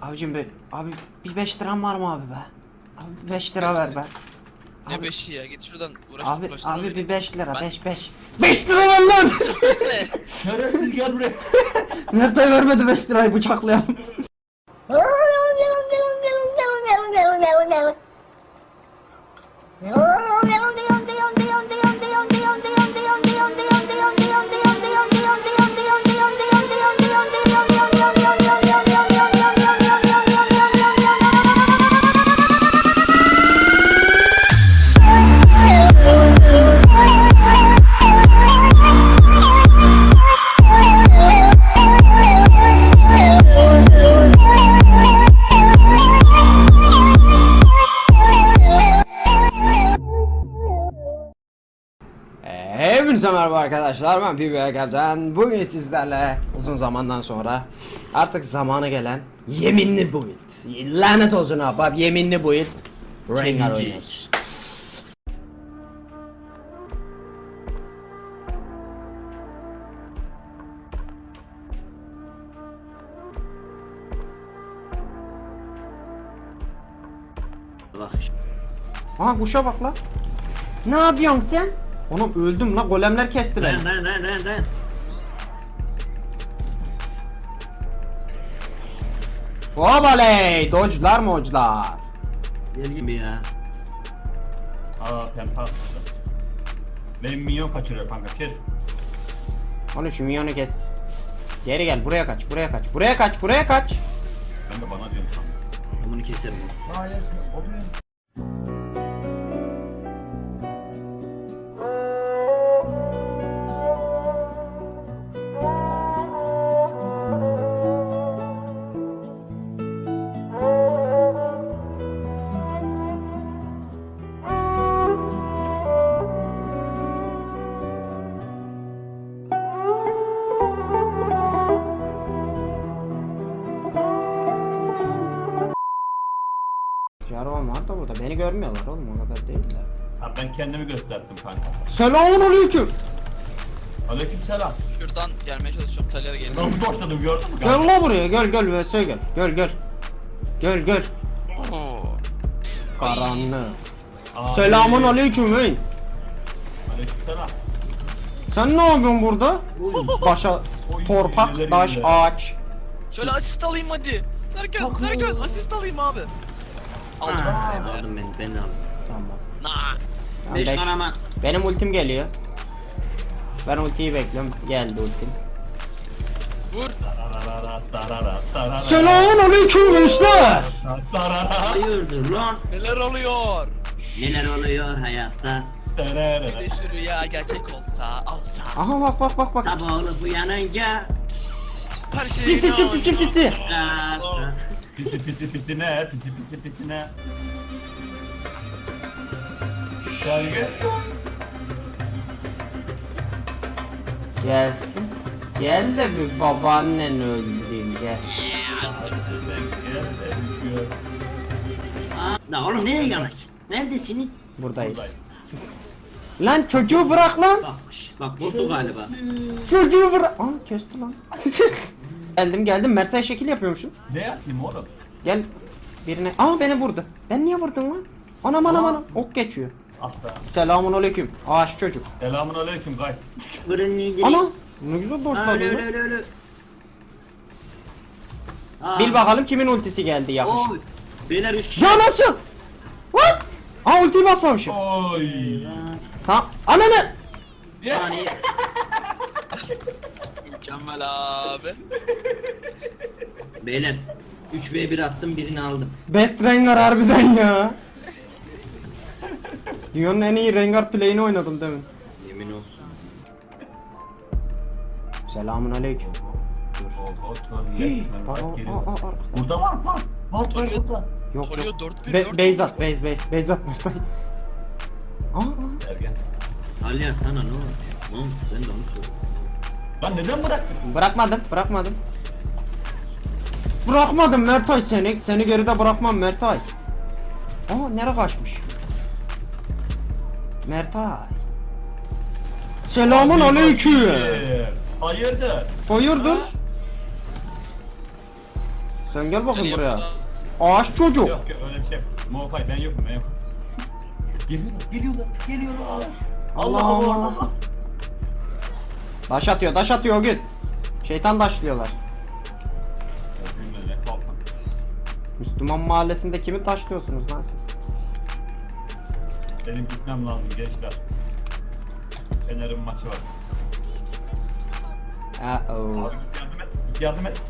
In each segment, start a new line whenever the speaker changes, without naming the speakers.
Abicim be, abi bir 5 liram var mı abi be? Abi 5 lira ver be.
Ne
Abi-
5'i ya, git şuradan
Abi
uğraştırma
abi
beni.
bir 5 lira,
Ben-
5. 5 lira ver lan!
Şerefsiz gel buraya.
Nerede vermedi 5 lirayı bıçaklayalım. Hepinize merhaba arkadaşlar, ben PBK'den. Bugün sizlerle uzun zamandan sonra artık zamanı gelen yeminli build, lanet olsun abi, yeminli build Rengar oynuyoruz. Aha kuşa bak la. Ne yapıyorsun sen? Oğlum öldüm la, golemler kesti beni.
Dayan.
Obaley, dodge'lar moclar.
Gel gibi ya.
Aa pempa atmışlar. Benim minyon kaçırıyor kanka, kes.
Onu şu minyonu kes. Geri gel, buraya kaç. Buraya kaç.
Ben de bana diyorum sandım.
Bunu keserim.
Hayır, oluyor.
Jarvan var da burada, beni görmüyorlar oğlum, o kadar değil de.
Ha, ben kendimi gösterdim kanka.
Selamünaleyküm.
Aleykümselam.
Şuradan gelmeye çalışıyorum, Talya'ya geliyor.
Nasıl boşladım gördün mü
Gel
kanka?
la buraya, gel vs gel.
Oo.
Karanlık.
Abi.
Selamünaleyküm hey.
Aleykümselam.
Sen ne yapıyorsun burada? Başa
Oy,
torpak,
neler
taş,
neler.
ağaç.
Şöyle asist alayım hadi. Serkan asist alayım abi. Aldım.
Aldım ben de aldım.
Tamam.
Nah.
Ben
5
beş-
kanama.
Benim ultim geliyor. Ben ultiyi bekliyorum. Geldi ultim.
Vur.
Tararara, tarara, tarara.
Selamünaleyküm gençler.
Tarara,
Hayırdır lan?
Neler oluyor?
Neler oluyor hayatta?
tarara.
Bir de şu rüya gerçek olsa alsa.
Aha bak.
Sabah olup uyanınca
Her şey
Pisi.
Pisi ne? Pisi ne? Şarkı.
Gelsin. Gel de bir babaannen öldüreyim gel.
Da oğlum nereye geldik? Neredesiniz?
Buradayız. Lan çocuğu bırak lan.
Bak buldu galiba.
Çocuğu bırak. Aa kesti lan. Geldim. Mert'e şekil yapıyormuşum.
Ne yapayım oğlum?
Gel birine. Aa beni vurdu. Ben niye vurdun lan? Anam. Ok geçiyor.
Ah be.
Selamünaleyküm. Ağaç çocuk.
Selamun aleyküm guys.
Fırın nedir?
Ana ne güzel doşladı.
Öyle.
Bil bakalım kimin ultisi geldi yakış.
Oy. Beyler 3 kişi.
Ya nasıl? What? Aa ultiyi basmamışım.
Oy.
Tamam. Ananı.
Yani
Mükemmel abi.
beyler 3v1 attım birini aldım.
Best Rengar harbiden ya. Dünyanın en iyi Rengar play'ini oynadım demin.
Yemin olsun.
Selamünaleyküm.
Burada var. Var burada.
Yok.
Soruyor 4-1,
Beyzat Mertay.
Sergen.
Alya sana ne oldu? Oğlum ben de onu soruyorum.
Lan neden bıraktın?
Bırakmadım Mertay seni. Seni geride bırakmam Mertay. Aa nereye kaçmış? Mertay. Selamun aleyküm.
Hayırdır?
Hayırdır? Sen gel bakayım
Seni
buraya.
yapma.
Ağaç çocuk.
Yok yok öyle bir şey. Mofay ben yokum ben yokum. Geliyorlar. Allah Allah Allah.
Daş atıyor o gün. Şeytan daşlıyorlar. Müslüman mahallesinde kimi taşlıyorsunuz lan siz?
Benim gitmem lazım gençler. Fener'in maçı var.
Uh-oh.
Abi git yardım et. Git yardım et.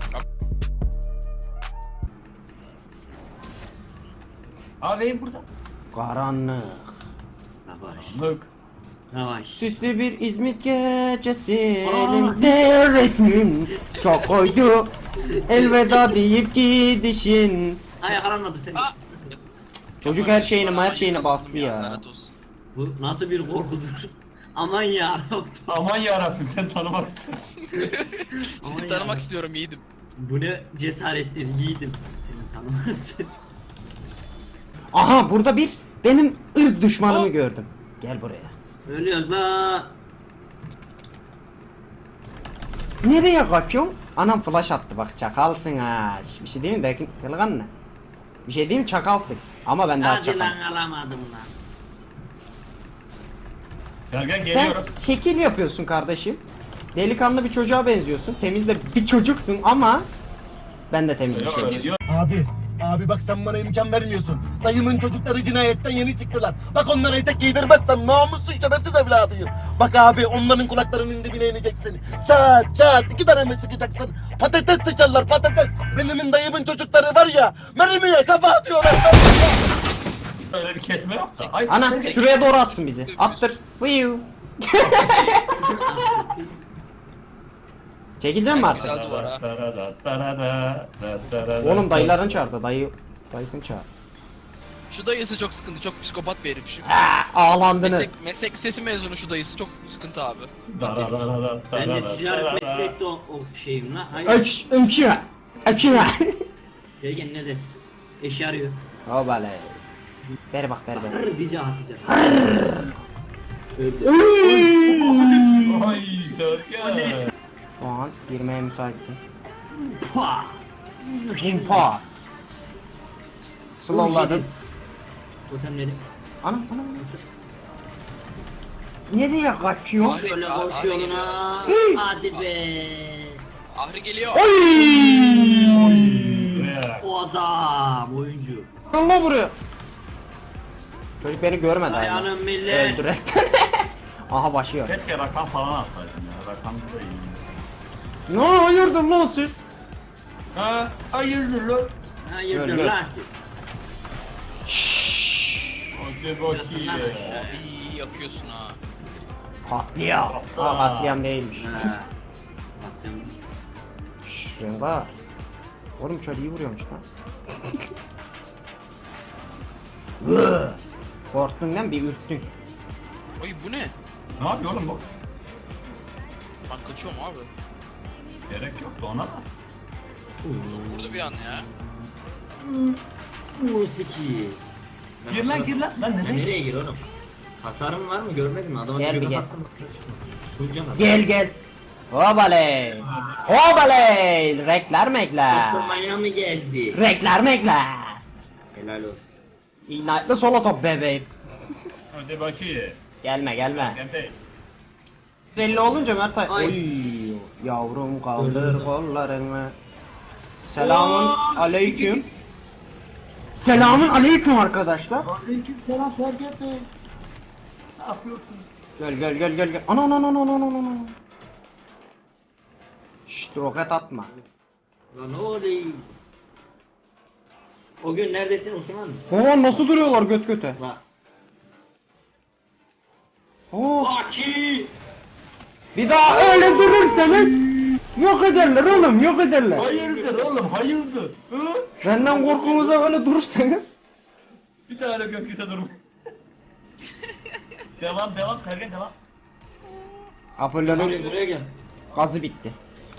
Abi benim burada.
Karanlık.
Yavaş.
Mık.
Yavaş.
Süslü bir İzmit gecesi
Aa.
elimde resmin çok koydu. Elveda deyip gidişin.
Ay yakalanmadı seni.
Aa!
Çocuk her şeyini bastı ya.
Lanet olsun.
Bu nasıl bir korkudur? Aman ya.
Aman yarabbim sen tanımak istedim.
Seni
Aman
tanımak
ya.
istiyorum yiğidim.
Bu ne cesarettir yiğidim. Seni tanımazsın.
Aha burada bir benim ırz düşmanımı
Oh.
gördüm. Gel buraya.
Ölüyoruz la.
Nereye kaçıyorsun? Anam flash attı bak çakalsın ha. Bir şey değil mi delikanlı? Bir şey değil mi çakalsın. Ama ben daha
Hadi
çakal.
lan alamadım lan.
Sergen
Sen
geliyorum.
şekil yapıyorsun kardeşim. Delikanlı bir çocuğa benziyorsun. Temiz de bir çocuksun ama ben de temiz bir
Yok,
şey.
yok.
Abi bak sen bana imkan vermiyorsun. Dayımın çocukları cinayetten yeni çıktılar. Bak onlara etek giydirmezsem namussuz şerefsiz evladıyım. Bak abi onların kulaklarının dibine ineceksin. Çat çat 2 tane mi sıkacaksın? Patates sıçarlar patates. Benim dayımın çocukları var ya mermiye kafa atıyorlar.
Öyle bir kesme yok da. Ay,
Ana
Sergen.
şuraya doğru atsın bizi. Attır. Fıyıv. Çekileceğim mi artık?
Güzel duvar ha.
Oğlum dayıların çağırdı. Dayısını çağır.
Şu dayısı çok sıkıntı. Çok psikopat bir herif şu.
Ağlandınız.
Meslek lisesi mezunu şu dayısı çok sıkıntı abi.
Ben de ticaret meslekte o şeyim la. Hayır.
Açma.
Sergen ne desin? Eşi arıyor.
O bale. Ver bak ver.
Hırr bizi atacak. Öldü.
Ay Sergen.
Şu an girmeye müsaitim.
Pah!
Himpa. Slowladım.
Totemleri.
Ana. Nereye kaçıyor?
Ahri-
Şöyle
Ahri
koş yoluna.
geliyor.
Hadi be.
Ahri geliyor.
Buraya.
O adam oyuncu.
Allah buraya. Çocuk beni görmedi hala.
Dayanın millet.
Öldüre. Aha başlıyor.
Keşke rakam falan atsaydın ya. Rakam da iyi.
Ne hayırdır lan siz?
Ha, hayırdır lan?
Hayırdır
Gör.
lan?
Hadi bakayım.
İyi yakıyorsun ha.
Katliam. Ha katliam değilmiş.
Ha. Bak sen.
Rengar. Oğlum çar iyi vuruyormuş lan. Korktun değil mi? Bir ürktün.
Oy bu ne?
Ne yapıyor oğlum bu?
Ben kaçıyorum abi.
Gerek yoktu ona da.
Çok vurdu bir an ya.
Musiki.
Gir lan gir lan. Lan
Ya
nereye?
nereye gir oğlum? Hasarım var mı görmedin mi? Adama
Gel
bir
bir gel.
kapattım. Duyacağım abi.
Gel. Hobaley. Hobaley. Rekler mekler.
Oturmaya mı geldi?
Rekler mekler.
Helal olsun.
İgnite'lı solo top bebeğim.
Hadi bakayım.
Gelme.
Sergen Bey.
Belli olunca Mertay.
Ay.
Oy. Yavrum kaldır kollarını. Selamun aleyküm. Selamun aleyküm arkadaşlar.
Aleykümselam Sergen Bey. Ne yapıyorsun?
Gel. Ana. Şşt roket atma.
Lan ne oluyor? O gün neredesin Osman?
Oo nasıl duruyorlar göt göte.
La.
Oo.
Aki!
Bir daha öyle durursanız yok ederler oğlum yok ederler.
Hayırdır oğlum hayırdır? Hı?
Benden korkunuza öyle durursanız.
Bir tane gökyüzü durma. devam Sergen devam.
Apollon'un
Buraya gel.
gazı bitti.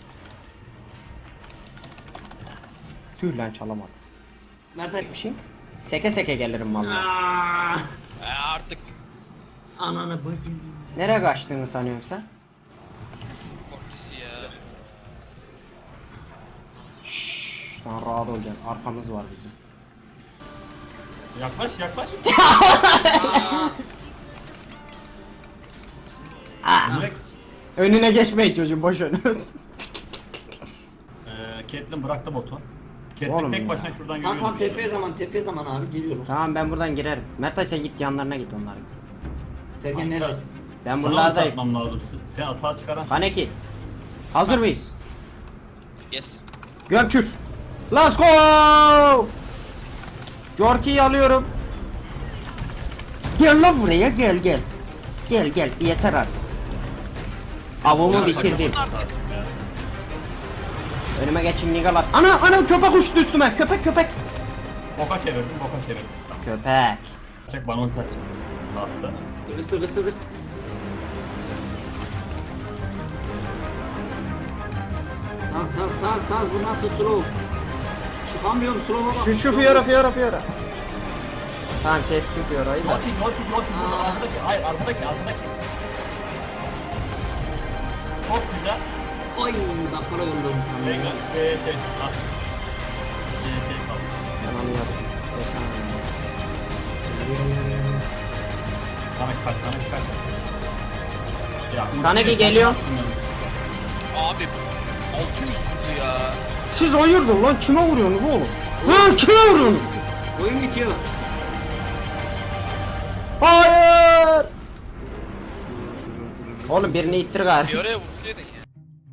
Tüh lan çalamadım.
Mert
Bir şey. Seke seke gelirim vallahi.
Aaaa!
Artık
Ananı bakayım.
Nereye kaçtığını sanıyorsun sen?
korkusu ya.
Şşş, Sen rahat olacaksın. Arkamız var bizim.
Yaklaş yaklaş. Direkt
Önüne geçmeyin çocuğum, boş önünüz.
Caitlyn bıraktı botu.
Oğlum
Caitlyn tek
ya.
başına şuradan
Tamam
yürüyor.
tamam tepe zaman abi geliyorlar.
Tamam, ben buradan girerim. Mertay sen git yanlarına git onların.
Sergen neredesin?
Ben
Sana
buralardayım.
atmam lazım. Sen atağa çıkaran.
Kaneki. Hazır mıyız?
Yes.
Gömçür. Let's go! Jorki'yi alıyorum. Gel lan buraya, gel gel. Gel gel, yeter artık. Avımı bitirdim. Önüme geçin nigalar. Ana köpek uçtu üstüme. Köpek.
Boka çevirdim.
Köpek.
Çek bana ulti atacak. Attı.
Kıvıs. Sağ bu nasıl slow? Çıkamıyorum slow'a bak.
Şu Fiora. Tamam, kestik Fiora'yı da.
Jorki. Burada arkadaki. Hayır arkadaki. Çok güzel.
Oy dakikada yolladım sana.
Şey at. Şey kaldı.
Ben anladım.
Kaneki kaç. Ya,
Kaneki geliyor.
Abi 600 vurdu ya.
Siz hayırdır lan, kime vuruyorsunuz oğlum? Lan kime vuruyorsunuz?
Oyun bitiyor.
Hayır! Oğlum birini ittir gari.
Bir oraya vurduydun ya.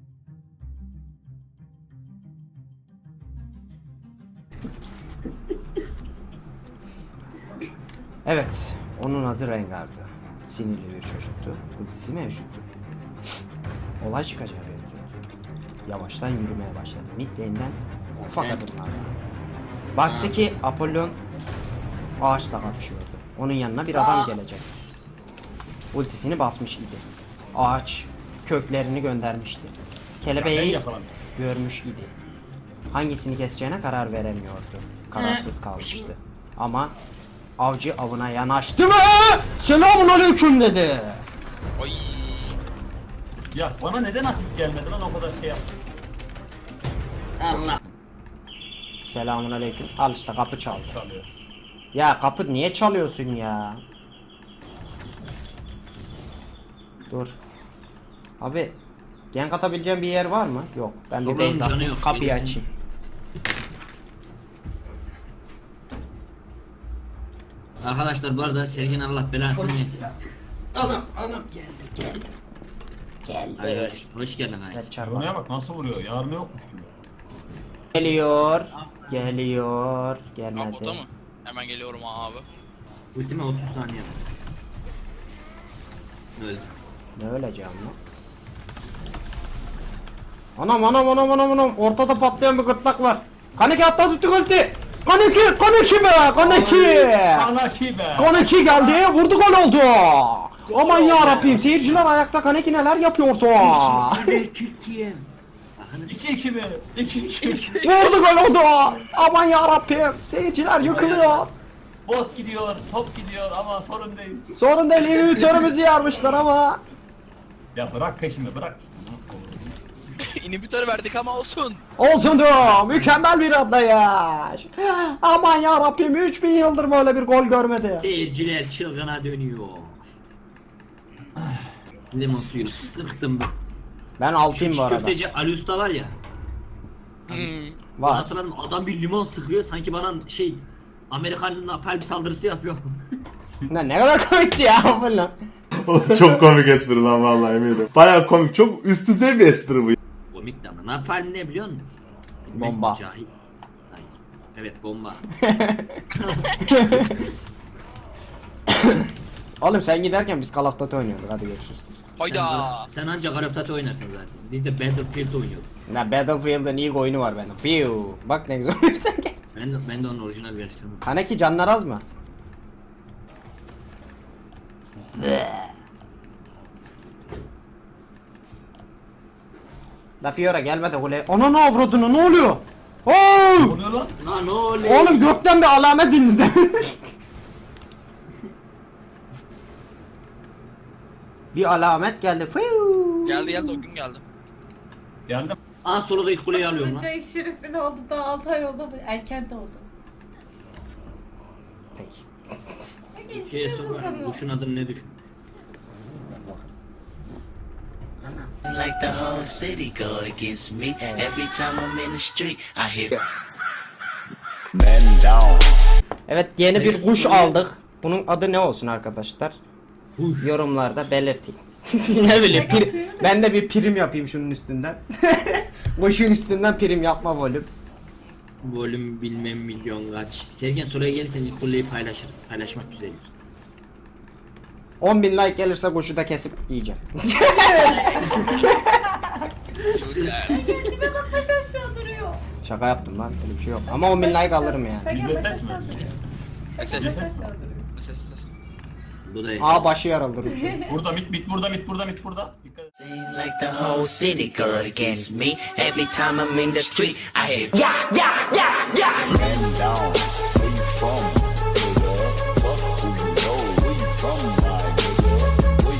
Evet, onun adı Rengar'dı. Sinirli bir çocuktu. Ultisi mevcuttu. Olay çıkacağı benziyordu. Yavaştan yürümeye başladı. Mid lane'den ufak adımlarla. Baktı ki Apollon ağaçla kapışıyordu. Onun yanına bir adam gelecek. Ultisini basmış idi. Ağaç köklerini göndermişti. Kelebeği
yakalandım.
görmüş idi. Hangisini keseceğine karar veremiyordu. Kararsız kalmıştı. Ama avcı avına yanaştı ve selamun aleyküm dedi.
Oy.
Ya bana neden asist gelmedi lan o kadar şey yaptım.
Allah.
Selamun aleyküm. Al işte, kapı çaldı.
Çalıyor.
Ya kapı niye çalıyorsun ya? Dur. Abi gank atabileceğim bir yer var mı? Yok. Ben bir
Oranın
base
canı
atayım.
yok,
Kapıyı
gelirsin.
açayım.
Arkadaşlar bu arada Sergen Allah belasını versin.
Anam geldi.
Hayır, hoş geldin hayır.
Kaçar
Yarınaya
bak.
bak nasıl vuruyor. Yarını yokmuş gibi.
Geliyor.
Abi
Gelmedi.
o da mı? Hemen geliyorum abi.
Ultime 30 saniye. Öldü.
Ne öleceğim lan? Anam. Ortada patlayan bir gırtlak var. Kaneki atla tuttu ulti. Kaneki be. Kaneki geldi. Vurdu, gol oldu. Aman ya Rabbim, seyirciler ayakta. Kaneki neler yapıyorsun?
Türkiye.
2-2 mi? 2-2.
Vurdu, gol oldu. Aman ya Rabbim, seyirciler yıkılıyor.
Bot gidiyor, top gidiyor ama sorun değil.
Sorun değil, inhibitörümüzü yarmışlar ama.
Ya bırak peşimi bırak.
İnhibitör verdik ama olsun.
Olsun da mükemmel bir atlayış. Aman ya Rabbim, 3000 yıldır böyle bir gol görmedi.
Seyirciler çılgına dönüyor. Limon suyu sıktım.
Ben altayım bu arada.
Köfteci Ali Usta var ya.
Hmm.
Var.
Var.
Hatırladım, adam bir limon sıkıyor sanki bana şey Amerikan napalm saldırısı yapıyor.
Ne kadar komikti ya falan.
Çok komik espri lan vallahi eminim. Baya komik, çok üst düzey bir espri bu.
Komik de ama napalm ne biliyor musun?
Bomba.
Cahil. Hayır. Evet bomba.
Oğlum sen giderken biz Call of Duty oynuyorduk, hadi görüşürüz.
Hayda.
Sen ancak Call of Duty oynarsın zaten. Biz de Battlefield oynuyorduk.
Ne, Battlefield'ın ilk oyunu var benim. Fiu. Bak ne güzel oynuyorsun.
Ben de onun orijinal versiyonu.
Kaneki canlar az mı? La Fiora gelme de kule. Ana ne avradını, ne oluyor? Oo!
Ne oluyor lan?
Lan ne oluyor?
Oğlum gökten bir alamet indi. Bir alamet geldi. Fiu.
Geldi o gün geldi.
Geldim.
Aa soldaki kuleyi alıyorum lan.
Cahil Şerif'in oldu daha 6 ay oldu. Erken doğdu.
Peki.
Şeye sokarım. Kuşun adını ne düşün?
Like the whole city go against me. Every time I'm in the street, I hear men down.
Evet, yeni bir kuş aldık. Bunun adı ne olsun arkadaşlar?
Kuş.
Yorumlarda belirtin. Ne bileyim, ben de bir prim yapayım şunun üstünden. Kuşun üstünden prim yapma volüm.
Volüm bilmem milyon kaç. Sergen soruya gelirsen ilk kuleyi paylaşırız. Paylaşmak güzeldir.
10.000 like gelirse kuşu da kesip yiyeceğim.
Tipe bak baş aşağı duruyor.
Şaka yaptım lan, öyle bir şey yok. Ama 10.000 like alırım yani.
Sergen
Bir
baş
ses
aşağı
mi?
duruyor.
Ses.
Baş aşağı duruyor.
Ses.
Bu da
Aa, başı yarıldı.
Burada mit burada. Dikkat et.
Seem like the whole city go against me. Every time I'm in the street, I hear yeah, yeah, yeah, yeah. Men down.